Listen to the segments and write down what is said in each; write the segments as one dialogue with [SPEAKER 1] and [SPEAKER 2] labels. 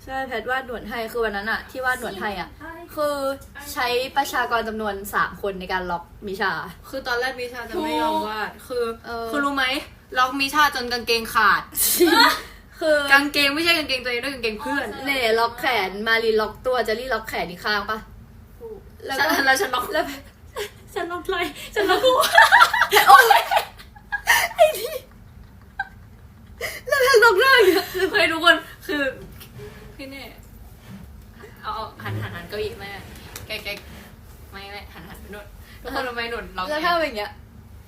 [SPEAKER 1] ใช่แพทวาดหนวดให้คือวันนั้นอะที่วาดหนวดให้อะคือใช้ประชากรจำนวน3 คนในการล็อกมิชา
[SPEAKER 2] คือตอนแรกมิชาจะไม่ยอมวาดคือรู้ไหมล็อกมิชาจนกางเกงขาดคือกางเกงไม่ใช่กางเกงตัวเองด้วยกางเกงเพื่อน
[SPEAKER 1] เน่ล็อกแขนมารีล็อกตัวเจลลี่ล็อกแขนอีกข้างปะ
[SPEAKER 2] แล้วฉันล็อก
[SPEAKER 1] แล้ว
[SPEAKER 2] ฉันล็อกไหล่ฉันล็อกหัว
[SPEAKER 1] โอ้ยไอ้นี่แล้วแพทล็อกหน้าอีก
[SPEAKER 2] เฮ้ยทุกคนคือพี่เน่เอาหันเก้าอี้แม่แกไม่หันไปโน่นทุกคนทำไมหนุนล็อก
[SPEAKER 1] แล้วถ้าเป็นอย่างเงี้ย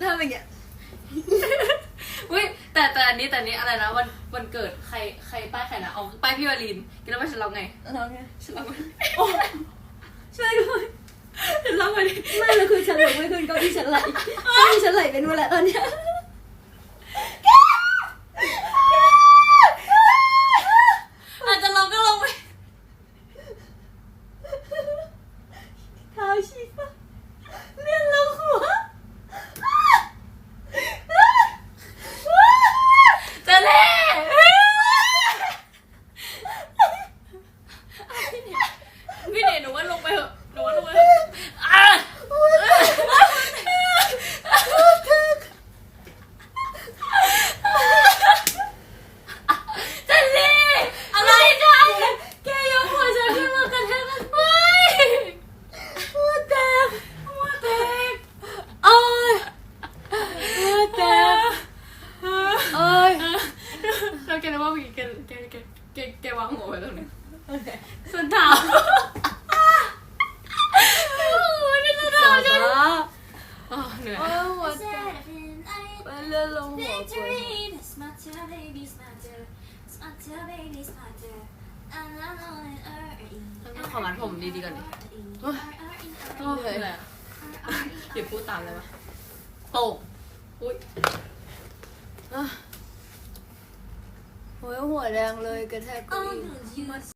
[SPEAKER 2] อุ้ยแต่อันนี้อะไรนะวันเกิดใครป้ายใครนะเอาป้ายพี่วาลินกินแล้วว่าฉันล็อกไงฉันล็อกโอ้
[SPEAKER 1] ช่วยด้วย
[SPEAKER 2] ฉันล็อกไง
[SPEAKER 1] ไม่เลยคือฉันล็อกไม่ขึ้นเก้าอี้ฉันไหลเป็นหมดแล้วตอนเนี้ย
[SPEAKER 2] อาจจะล็อกก็ลงไป
[SPEAKER 1] เท้าชีฟ้าเลื่อนลงหัว
[SPEAKER 2] จะเล่พี่เน่หนูว่าลงไปเถอะจะเล่อะไรจ้ะแกยกหัวฉันขึ้นมากระแทก
[SPEAKER 1] หัวแตก
[SPEAKER 2] โอ้ย
[SPEAKER 1] หัวแตก
[SPEAKER 2] เราแกรู้ว่าแกวางหัวไว้ตรงนี้ส่วนเท้าเหนื่อย
[SPEAKER 1] หัวแตกมันเลื่อนลงหัว
[SPEAKER 2] ต้องขอมัดผมดีๆก่อนดิเหนื่อยเดี๋ยวพูดตามเลยปะโตกอุ้ย
[SPEAKER 1] โอ้ยหัวแดงเลยกระแทกเก้าอี้